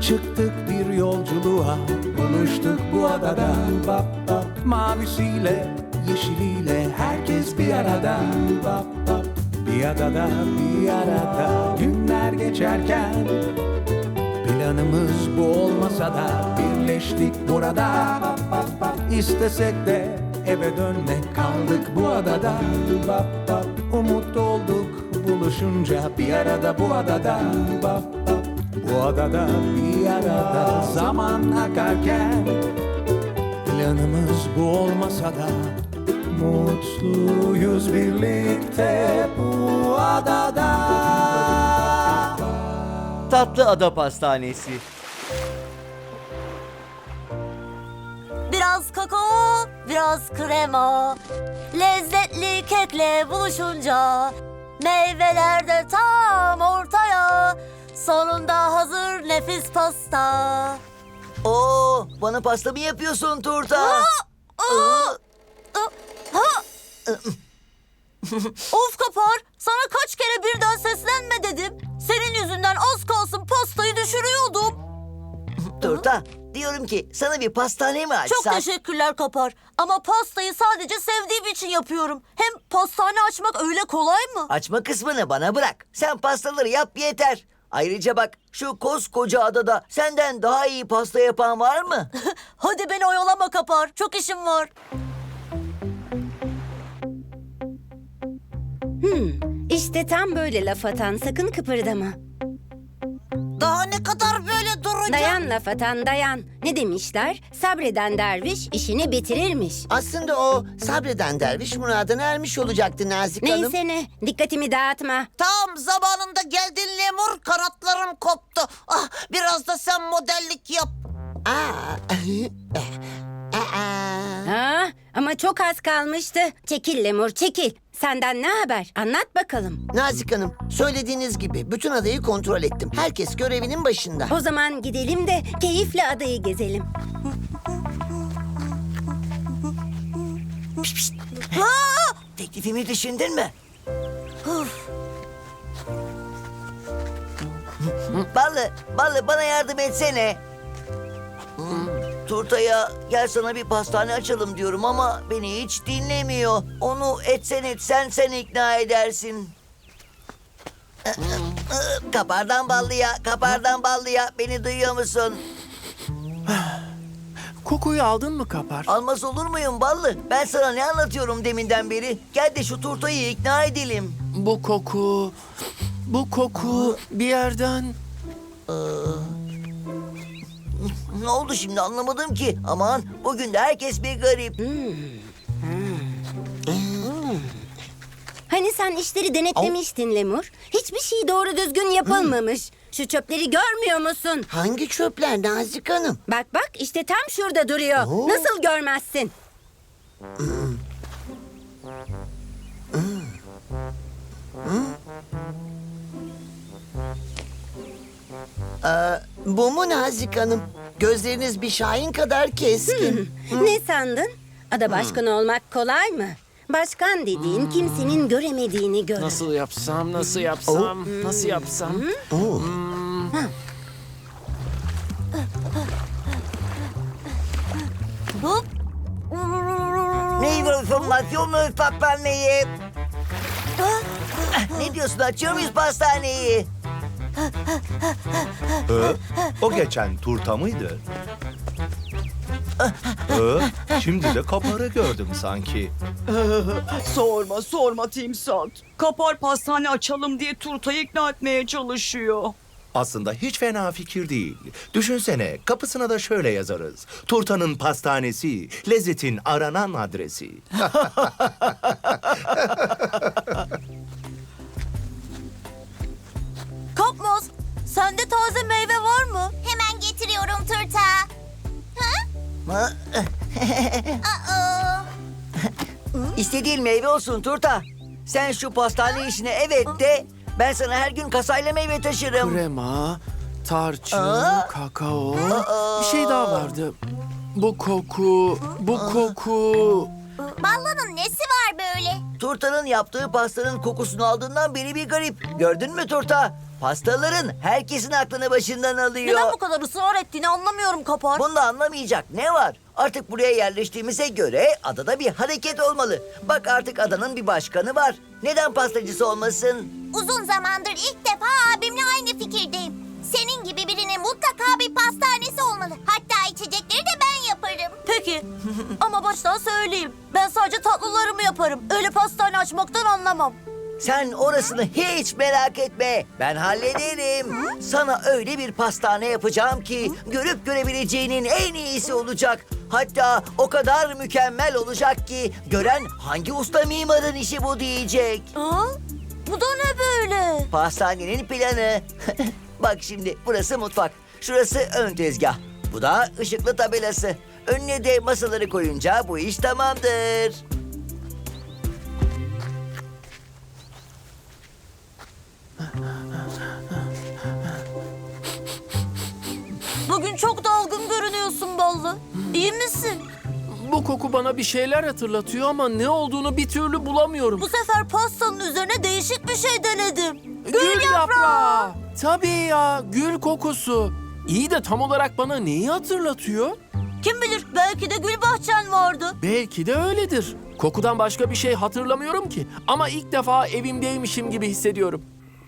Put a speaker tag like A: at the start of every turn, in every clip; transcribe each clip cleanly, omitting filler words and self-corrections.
A: Çıktık bir yolculuğa, buluştuk bu adada. Bap bap. Mavisiyle, yeşiliyle herkes bir arada. Bap bap. Bir adada, bir arada günler geçerken planımız bu olmasa da birleştik burada. Bap bap bap. İstesek de eve dönmek, kaldık bu adada. Bap bap. Umut olduk buluşunca bir arada bu adada. Bap bap. Bu adada bir arada zaman akarken planımız bu olmasa da mutluyuz birlikte bu adada.
B: Tatlı Ada Pastanesi.
C: Biraz kakao, biraz krema. Lezzetli kekle buluşunca meyveler de tam ortaya. Sonunda hazır nefis pasta.
B: Oo, bana pasta mı yapıyorsun Turta?
C: Of Kapar, sana kaç kere birden seslenme dedim. Senin yüzünden az kalsın pastayı düşürüyordum.
B: Turta, diyorum ki sana bir pastane mi açsak?
C: Çok teşekkürler Kapar. Ama pastayı sadece sevdiğim için yapıyorum. Hem pastane açmak öyle kolay mı?
B: Açma kısmını bana bırak. Sen pastaları yap yeter. Ayrıca bak, şu koskoca adada senden daha iyi pasta yapan var mı?
C: Hadi beni oyalama Kapar. Çok işim var.
D: İşte tam böyle laf atan, sakın kıpırdama.
C: Daha ne kadar böyle duracağım?
D: Dayan laf atan, dayan. Ne demişler? Sabreden derviş işini bitirirmiş.
E: Aslında o sabreden derviş muradına ermiş olacaktı Nazik Hanım.
D: Neyse ne, dikkatimi dağıtma.
F: Tam zamanında geldin Lemur, kanatlarım koptu. Ah, biraz da sen modellik yap.
D: Ha, ama çok az kalmıştı. Çekil Lemur, çekil. Senden ne haber? Anlat bakalım.
E: Nazik Hanım, söylediğiniz gibi bütün adayı kontrol ettim. Herkes görevinin başında.
D: O zaman gidelim de keyifle adayı gezelim.
B: Teklifimi düşündün mü? Ballı bana yardım etsene. Turta'ya gel sana bir pastane açalım diyorum ama beni hiç dinlemiyor. Onu etsen sen ikna edersin. Kapardan ballıya beni duyuyor musun?
G: Kokuyu aldın mı Kapar?
B: Almaz olur muyum ballı? Ben sana ne anlatıyorum deminden beri? Gel de şu Turta'yı ikna edelim.
G: Bu koku bir yerden...
B: Ne oldu şimdi anlamadım ki. Aman bugün de herkes bir garip.
D: Hani sen işleri denetlemiştin Lemur? Hiçbir şey doğru düzgün yapılmamış. Şu çöpleri görmüyor musun?
E: Hangi çöpler Nazik Hanım?
D: Bak bak, işte tam şurada duruyor. Nasıl görmezsin?
E: Bu mu Nazik Hanım? Gözleriniz bir şahin kadar keskin.
D: Ne sandın? Ada başkanı olmak kolay mı? Başkan dediğin kimsenin göremediğini görür.
G: Nasıl yapsam?
C: Hop.
B: Meyve formasyonu pastaneyi. Ne diyorsun açıyor muyuz pastaneyi?
H: O geçen turta mıydı? Şimdi de kaparı gördüm sanki.
I: Sorma Timsat. Kapar pastane açalım diye Turta'yı ikna etmeye çalışıyor.
H: Aslında hiç fena fikir değil. Düşünsene, kapısına da şöyle yazarız. Turtanın pastanesi, lezzetin aranan adresi.
C: Kapmaz, sende taze meyve var mı?
J: Hemen getiriyorum Turta.
B: İstediğin meyve olsun Turta. Sen şu pastane işine evet de ben sana her gün kasayla meyve taşırım.
G: Krema, tarçın, kakao. Bir şey daha vardı. Bu koku.
J: Ballı'nın nesi var böyle?
B: Turta'nın yaptığı pastanın kokusunu aldığından beri bir garip. Gördün mü Turta? Pastaların herkesin aklını başından alıyor.
C: Neden bu kadar ısrar ettiğini anlamıyorum Kapar.
B: Bunda anlamayacak ne var? Artık buraya yerleştiğimize göre adada bir hareket olmalı. Bak artık adanın bir başkanı var. Neden pastacısı olmasın?
J: Uzun zamandır ilk defa abimle aynı fikirdeyim. Senin gibi birinin mutlaka bir pastanesi olmalı. Hatta içecekleri de ben yaparım.
C: Peki ama baştan söyleyeyim. Ben sadece tatlılarımı yaparım. Öyle pastane açmaktan anlamam.
B: Sen orasını hiç merak etme. Ben hallederim. Sana öyle bir pastane yapacağım ki görüp görebileceğinin en iyisi olacak. Hatta o kadar mükemmel olacak ki gören hangi usta mimarın işi bu diyecek.
C: Aa, bu da ne böyle?
B: Pastanenin planı. Bak şimdi burası mutfak. Şurası ön tezgah. Bu da ışıklı tabelası. Önüne de masaları koyunca bu iş tamamdır.
C: Bugün çok dalgın görünüyorsun Ballı. İyi misin?
G: Bu koku bana bir şeyler hatırlatıyor ama ne olduğunu bir türlü bulamıyorum.
C: Bu sefer pastanın üzerine değişik bir şey denedim.
G: Gül yaprağı. Tabii ya, gül kokusu. İyi de tam olarak bana neyi hatırlatıyor?
C: Kim bilir belki de gül bahçen vardı.
G: Belki de öyledir. Kokudan başka bir şey hatırlamıyorum ki. Ama ilk defa evimdeymişim gibi hissediyorum.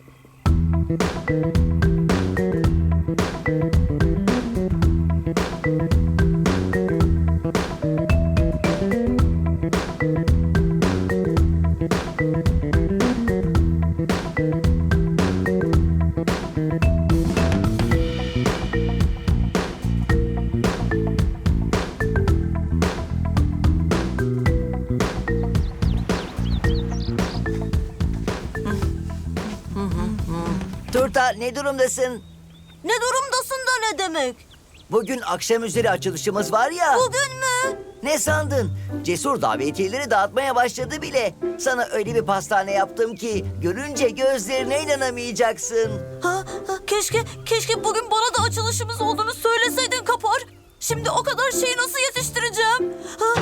B: Turta ne durumdasın?
C: Ne durumdasın da ne demek?
B: Bugün akşam üzeri açılışımız var ya.
C: Bugün mü?
B: Ne sandın? Cesur davetiyeleri dağıtmaya başladı bile. Sana öyle bir pastane yaptım ki görünce gözlerine inanamayacaksın.
C: Keşke bugün bana da açılışımız olduğunu söyleseydin Kapar. Şimdi o kadar şeyi nasıl yetiştireceğim? Ha?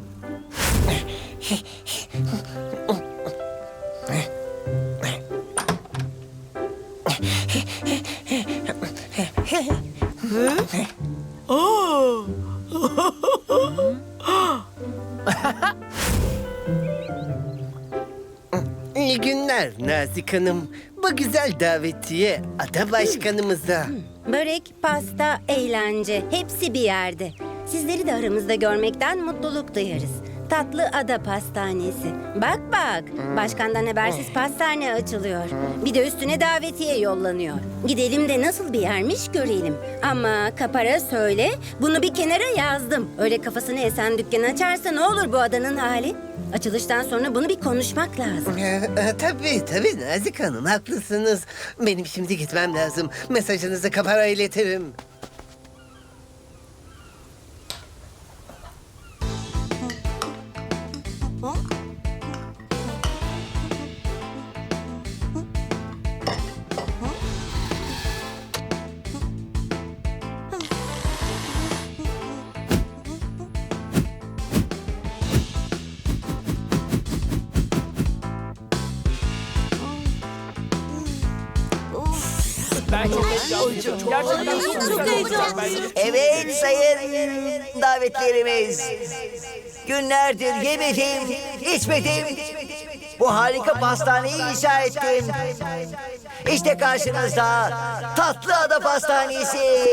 K: İyi günler Nazik Hanım. Bu güzel davetiye ada başkanımıza.
D: Börek, pasta, eğlence hepsi bir yerde. Sizleri de aramızda görmekten mutluluk duyarız. Tatlı Ada Pastanesi. Bak bak, başkandan habersiz pastane açılıyor. Bir de üstüne davetiye yollanıyor. Gidelim de nasıl bir yermiş görelim. Ama Kapar'a söyle, bunu bir kenara yazdım. Öyle kafasını esen dükkan açarsa ne olur bu adanın hali? Açılıştan sonra bunu bir konuşmak lazım.
K: Tabii Nazik Hanım haklısınız. Benim şimdi gitmem lazım. Mesajınızı Kapar'a iletirim.
G: Ben çok heyecanlıyım. Gerçekten
C: Çok heyecanlıyım.
B: Evet sayın davetlerimiz. Günlerdir yemedim, içmedim. Bu harika pastaneyi inşa ettim. İşte karşınızda Tatlı Ada Pastanesi.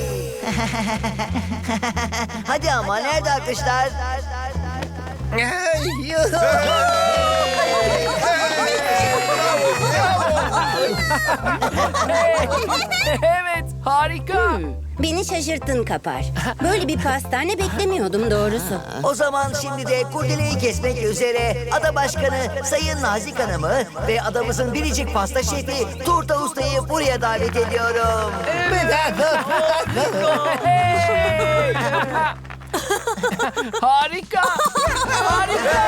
B: Hadi ama nerede alkışlar?
G: Evet, harika.
D: Beni şaşırttın Kapar. Böyle bir pastane beklemiyordum doğrusu.
B: O zaman şimdi de kurdeleyi kesmek üzere Ada Başkanı Sayın Nazik Hanım'ı ve adamızın biricik pasta şefi Turta Usta'yı buraya davet ediyorum.
G: Harika. Harika.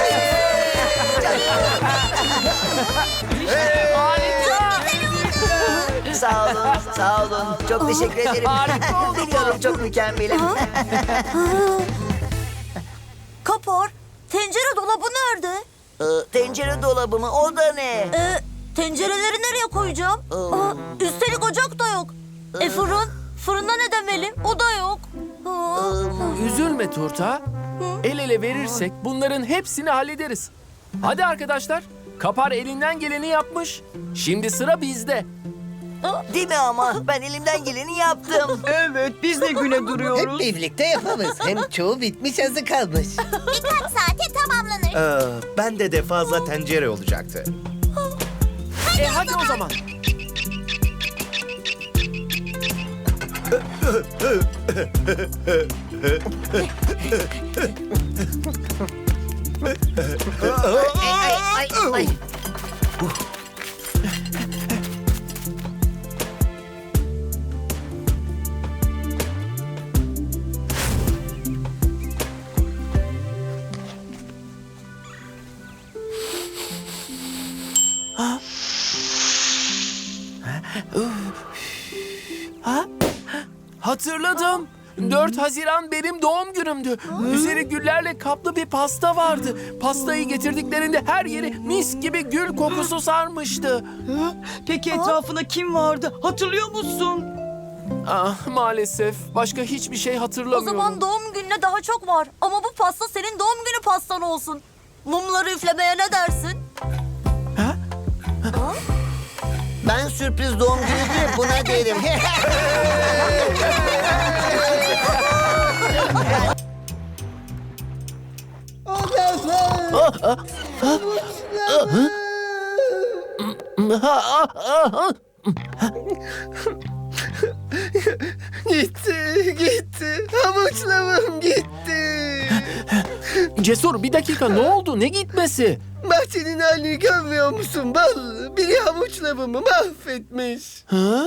G: Harika.
B: Sağ olun. Çok teşekkür ederim.
G: Harika oldu bu.
B: Biliyorum çok mükemmelim.
C: Kapar, tencere dolabı nerede?
B: Tencere dolabı mı? O da ne?
C: Tencereleri nereye nereye koyacağım? Üstelik ocak da yok. Fırın? Fırında ne demeli? O da yok.
G: Üzülme Turta. El ele verirsek bunların hepsini hallederiz. Hadi arkadaşlar. Kapar elinden geleni yapmış. Şimdi sıra bizde.
B: Değil mi ama? Ben elimden geleni yaptım.
I: Evet, biz de güne
K: Hep
I: duruyoruz.
K: birlikte yaparız. Hem çoğu bitmiş, azı kalmış.
J: Birkaç saate tamamlanır.
H: Bende de fazla tencere olacaktı.
G: Hadi o zaman.
K: Ay.
G: Hatırladım. 4 Haziran benim doğum günümdü. Üzeri güllerle kaplı bir pasta vardı. Pastayı getirdiklerinde her yeri mis gibi gül kokusu sarmıştı.
I: Peki etrafında kim vardı? Hatırlıyor musun?
G: Ah, maalesef başka hiçbir şey
C: O
G: hatırlamıyorum.
C: zaman doğum gününe daha çok var. Ama bu pasta senin doğum günü pastan olsun. Mumları üflemeye ne dersin?
E: Ben sürpriz doğum günü diye buna derim.
K: Gitti. Havuçlamam gitti.
G: Cesur, bir dakika, ne oldu? Ne gitmesi?
K: Bahçenin halini görmüyor musun ballı? Biri havuçlamamı mahvetmiş.
G: Ha?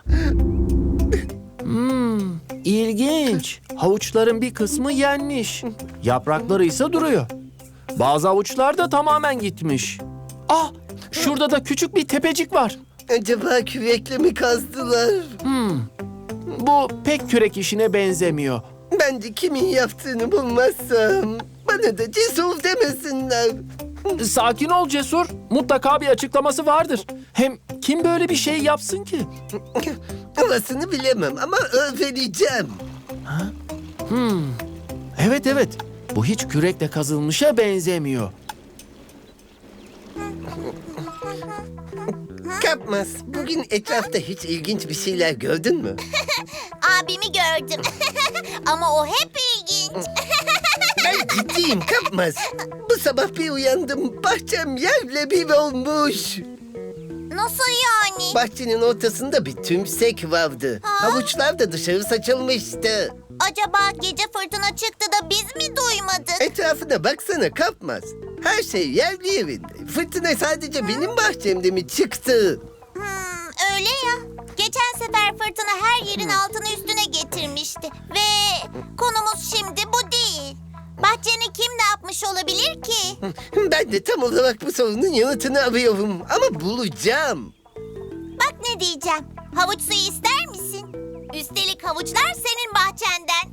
G: İlginç. Havuçların bir kısmı yenmiş. Yaprakları ise duruyor. Bazı havuçlar da tamamen gitmiş. Ah, şurada da küçük bir tepecik var.
K: Acaba kürekle mi kazdılar?
G: Bu pek kürek işine benzemiyor.
K: Bence kimin yaptığını bulmazsam bana da cesur demesinler.
G: Sakin ol Cesur. Mutlaka bir açıklaması vardır. Hem kim böyle bir şey yapsın ki?
K: Orasını bilemem ama öğreneceğim.
G: Evet. Bu hiç kürekle kazılmışa benzemiyor.
K: Kapmaz, bugün etrafta hiç ilginç bir şeyler gördün mü?
J: Abimi gördüm. Ama o hep ilginç.
K: Ben ciddiyim Kapmaz. Bu sabah bir uyandım, bahçem yerle bir olmuş.
J: Nasıl yani?
K: Bahçenin ortasında bir tümsek vardı. Havuçlar da dışarı saçılmıştı.
J: Acaba gece fırtına çıktı da biz mi duymadık?
K: Etrafına baksana Kapmaz. Her şey yerli yerinde. Fırtına sadece benim bahçemde mi çıktı?
J: Öyle ya. Geçen sefer fırtına her yerin altını üstüne getirmişti. Ve konumuz şimdi bu değil. Bahçeni kim ne yapmış olabilir ki?
K: Ben de tam olarak bu sorunun yanıtını arıyorum. Ama bulacağım.
J: Bak ne diyeceğim. Havuç suyu ister misin? Üstelik havuçlar senin bahçenden.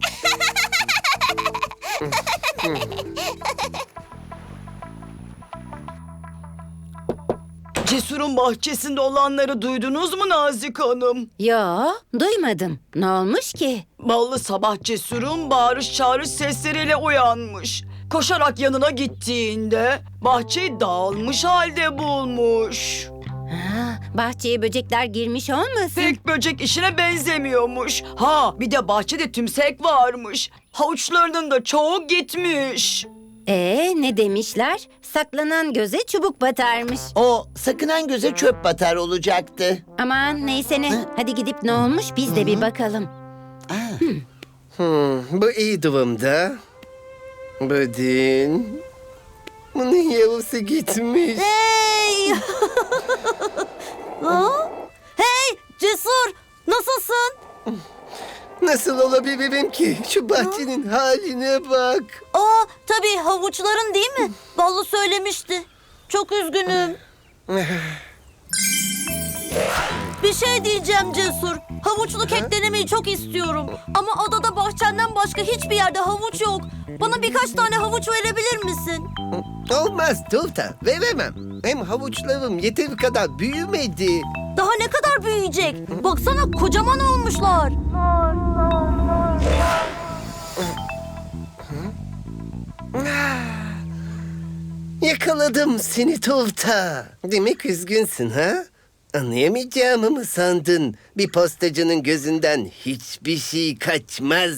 I: Cesur'un bahçesinde olanları duydunuz mu Nazik Hanım?
D: Yo, duymadım. Ne olmuş ki?
I: Ballı sabah Cesur'un bağırış çağırış sesleriyle uyanmış. Koşarak yanına gittiğinde bahçeyi dağılmış halde bulmuş.
D: Ha, bahçeye böcekler girmiş olmasın?
I: Pek böcek işine benzemiyormuş. Ha, bir de bahçede tümsek varmış. Havuçlarının da çoğu gitmiş.
D: Ne demişler? Saklanan göze çubuk batarmış.
E: O sakınan göze çöp batar olacaktı.
D: Aman neyse ne. Hadi gidip ne olmuş biz de bir bakalım.
K: Bu iyi durumda. Budin. Bunun yarısı gitmiş.
C: Hey! Ha? Hey Cesur, nasılsın?
K: Nasıl olabilirim ki? Şu bahçenin haline bak.
C: Tabii havuçların değil mi? Ballı söylemişti. Çok üzgünüm. Bir şey diyeceğim Cesur. Havuçlu kek denemeyi çok istiyorum. Ama adada bahçenden başka hiçbir yerde havuç yok. Bana birkaç tane havuç verebilir misin?
K: Olmaz Tuğta, veremem. Hem havuçlarım yeteri kadar büyümedi.
C: Daha ne kadar büyüyecek? Baksana kocaman olmuşlar.
K: Yakaladım seni Tuğta. Demek üzgünsün ha? Anlayamayacağımı mı sandın? Bir postacının gözünden hiçbir şey kaçmaz.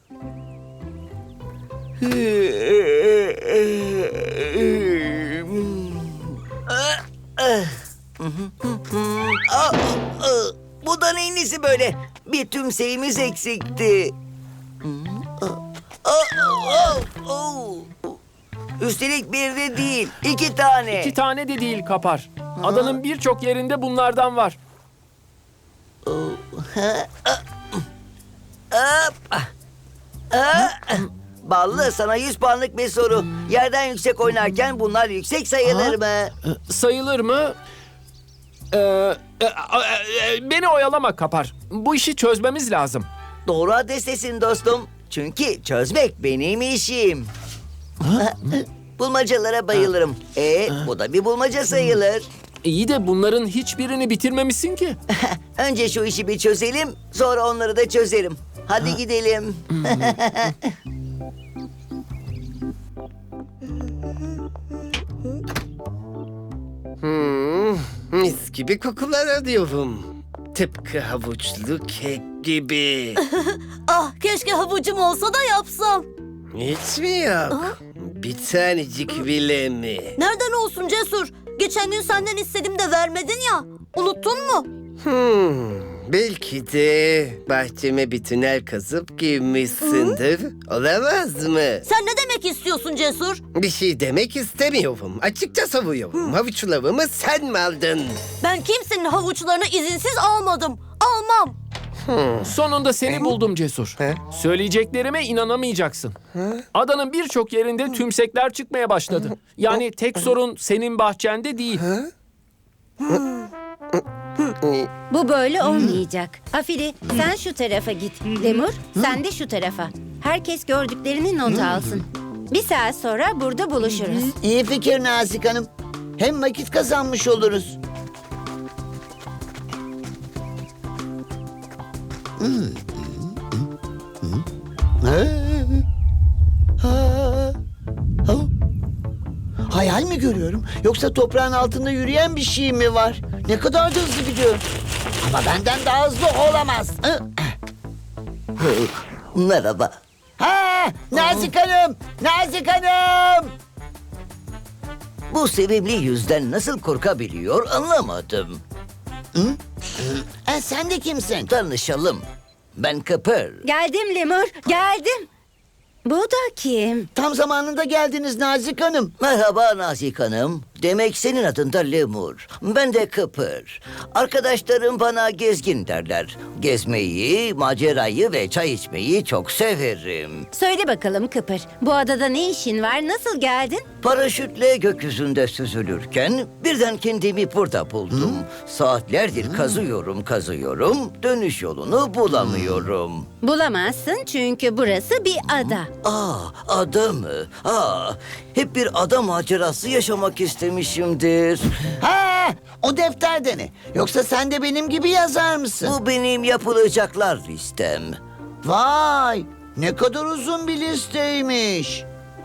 B: Bu da neyin nesi böyle? Bir tümseyimiz eksikti. Üstelik bir de değil, 2 tane.
G: 2 tane de değil Kapar. Adanın birçok yerinde bunlardan var.
B: Ballı, sana 100 puanlık bir soru. Yerden yüksek oynarken bunlar yüksek sayılır mı?
G: Sayılır mı? Beni oyalama Kapar. Bu işi çözmemiz lazım.
B: Doğru adrestesin dostum. Çünkü çözmek benim işim. Bulmacalara bayılırım. Bu da bir bulmaca sayılır.
G: İyi de bunların hiçbirini bitirmemişsin ki.
B: Önce şu işi bir çözelim, sonra onları da çözerim. Hadi gidelim.
K: Mis gibi kokular alıyorum. Tıpkı havuçlu kek gibi.
C: Ah keşke havucum olsa da yapsam.
K: Hiç mi yok? Bir tanecik bile mi?
C: Nereden olsun Cesur? Geçen gün senden istedim de vermedin ya. Unuttun mu?
K: Belki de bahçeme bir tünel kazıp girmişsindir. Olamaz mı?
C: Sen ne demek istiyorsun Cesur?
K: Bir şey demek istemiyorum. Açıkça savuyorum. Havuçlarımı sen mi aldın?
C: Ben kimsenin havuçlarını izinsiz almadım. Almam.
G: Sonunda seni buldum Cesur. Söyleyeceklerime inanamayacaksın. Adanın birçok yerinde tümsekler çıkmaya başladı. Yani tek sorun senin bahçende değil.
D: Bu böyle olmayacak. Afili sen şu tarafa git. Lemur sen de şu tarafa. Herkes gördüklerini not alsın. Bir saat sonra burada buluşuruz.
B: İyi fikir Nazik Hanım. Hem vakit kazanmış oluruz. Hayal mi görüyorum? Yoksa toprağın altında yürüyen bir şey mi var? Ne kadar da hızlı gidiyor. Ama benden daha hızlı olamaz. Merhaba. Ha, Nazik Hanım! Nazik Hanım! Bu sevimli yüzden nasıl korkabiliyor anlamadım. Sen de kimsin? Tanışalım. Ben Kıpır.
D: Geldim Lemur geldim. Bu da kim?
B: Tam zamanında geldiniz Nazik Hanım. Merhaba Nazik Hanım. Demek senin adın da Lemur. Ben de Kıpır. Arkadaşlarım bana gezgin derler. Gezmeyi, macerayı ve çay içmeyi çok severim.
D: Söyle bakalım Kıpır. Bu adada ne işin var? Nasıl geldin?
B: Paraşütle gökyüzünde süzülürken birden kendimi burada buldum. Saatlerdir kazıyorum. Dönüş yolunu bulamıyorum.
D: Bulamazsın çünkü burası bir ada.
B: Ada mı? Hep bir ada macerası yaşamak istemişimdir. Ha, o defterde ne? Yoksa sen de benim gibi yazar mısın? Bu benim yapılacaklar listem. Vay, ne kadar uzun bir listeymiş.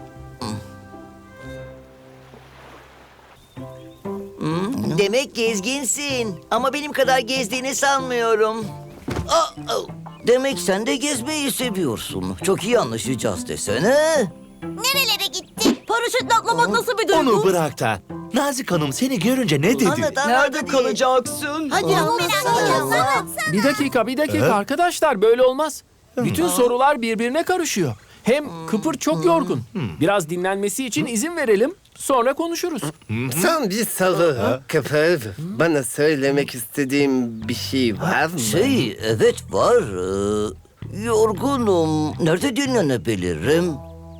B: Demek gezginsin. Ama benim kadar gezdiğini sanmıyorum. Demek sen de gezmeyi seviyorsun. Çok iyi anlaşacağız desene.
J: Nerelere gitti?
C: Paraşütle atlamak nasıl bir duygu?
H: Onu bırak da. Nazik Hanım seni görünce ne dedi?
I: Nerede kalacaksın?
B: Hadi anlatsana.
G: Bir dakika arkadaşlar böyle olmaz. Bütün sorular birbirine karışıyor. Hem Kıpır çok yorgun. Biraz dinlenmesi için izin verelim. Sonra konuşuruz.
K: Son bir soru. Kıpır, bana söylemek istediğim bir şey var mı?
B: Evet var. Yorgunum. Nerede dinlenebilirim?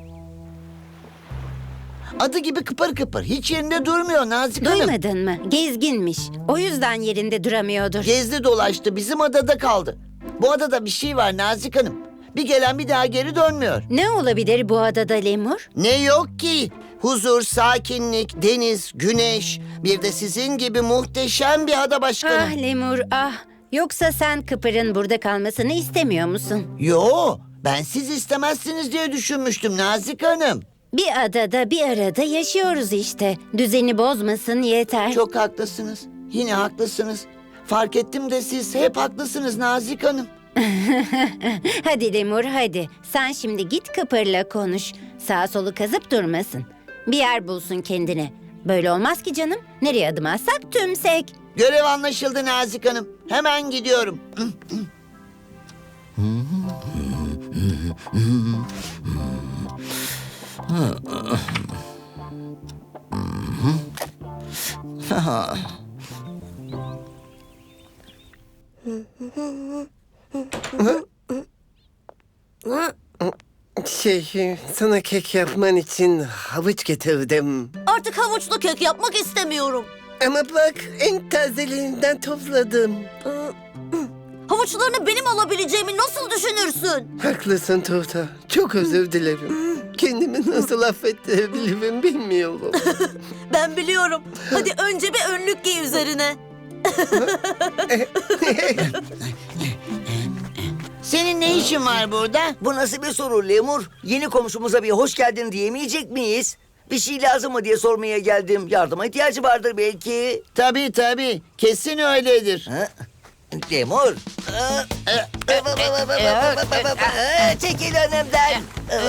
B: Adı gibi kıpır kıpır. Hiç yerinde durmuyor Nazik Hanım.
D: Duymadın mı? Gezginmiş. O yüzden yerinde duramıyordur.
B: Gezdi dolaştı. Bizim adada kaldı. Bu adada bir şey var Nazik Hanım. Bir gelen bir daha geri dönmüyor.
D: Ne olabilir bu adada Lemur?
B: Ne yok ki?
E: Huzur, sakinlik, deniz, güneş. Bir de sizin gibi muhteşem bir ada başkanı.
D: Ah Lemur ah. Yoksa sen Kıpır'ın burada kalmasını istemiyor musun?
E: Yo, ben siz istemezsiniz diye düşünmüştüm Nazik Hanım.
D: Bir adada bir arada yaşıyoruz işte. Düzeni bozmasın yeter.
E: Çok haklısınız. Yine haklısınız. Fark ettim de siz hep haklısınız Nazik Hanım.
D: Hadi Lemur hadi. Sen şimdi git Kıpır'la konuş. Sağa solu kazıp durmasın. Bir yer bulsun kendine. Böyle olmaz ki canım. Nereye adım atsak tümsek.
E: Görev anlaşıldı Nazik Hanım. Hemen gidiyorum.
K: Sana kek yapman için havuç getirdim.
C: Artık havuçlu kek yapmak istemiyorum.
K: Ama bak en tazelerinden topladım.
C: Havuçlarını benim alabileceğimi nasıl düşünürsün?
K: Haklısın Tuğta. Çok özür dilerim. Kendimi nasıl affettirebilirim bilmiyorum.
C: Ben biliyorum. Hadi önce bir önlük giy üzerine.
E: Senin ne işin var burada?
B: Bu nasıl bir soru Lemur? Yeni komşumuza bir hoş geldin diyemeyecek miyiz? Bir şey lazım mı diye sormaya geldim. Yardıma ihtiyacı vardır belki.
E: Tabii. Kesin öyledir.
B: Ha? Lemur. Çekil önümden.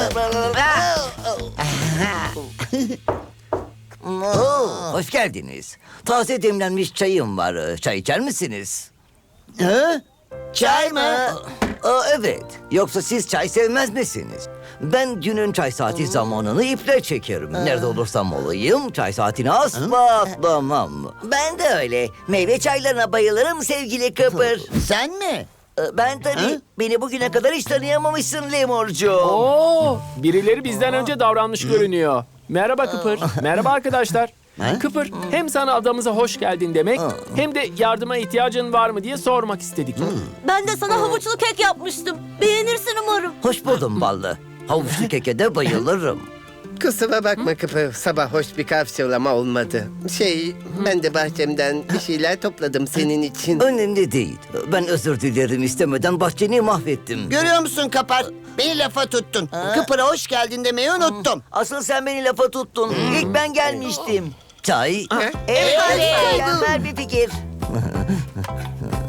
B: Hoş geldiniz. Taze demlenmiş çayım var. Çay içer misiniz?
E: Ha? Çay mı?
B: Evet. Yoksa siz çay sevmez misiniz? Ben günün çay saati zamanını iple çekerim. Nerede olursam olayım çay saatini asla atlamam. Ben de öyle. Meyve çaylarına bayılırım sevgili Kıpır.
E: Sen mi?
B: Ben tabii. Beni bugüne kadar hiç tanıyamamışsın Lemurcuğum.
G: Oo, birileri bizden önce davranmış görünüyor. Merhaba Kıpır. Merhaba arkadaşlar. Kıpır, hem sana adamıza hoş geldin demek, hem de yardıma ihtiyacın var mı diye sormak istedik.
C: Ben de sana havuçlu kek yapmıştım. Beğenirsin umarım.
B: Hoş buldum ballı. Havuçlu keke de bayılırım.
K: Kusura bakma Kıpır. Sabah hoş bir karşılama olmadı. Ben de bahçemden bir şeyler topladım senin için.
B: Önemli değil. Ben özür dilerim, istemeden bahçeni mahvettim.
E: Görüyor musun Kapar? Beni lafa tuttun. Kıpır'a hoş geldin demeyi unuttum.
B: Asıl sen beni lafa tuttun. İlk ben gelmiştim. Çay.
E: Evet,
B: Mükemmel bir fikir.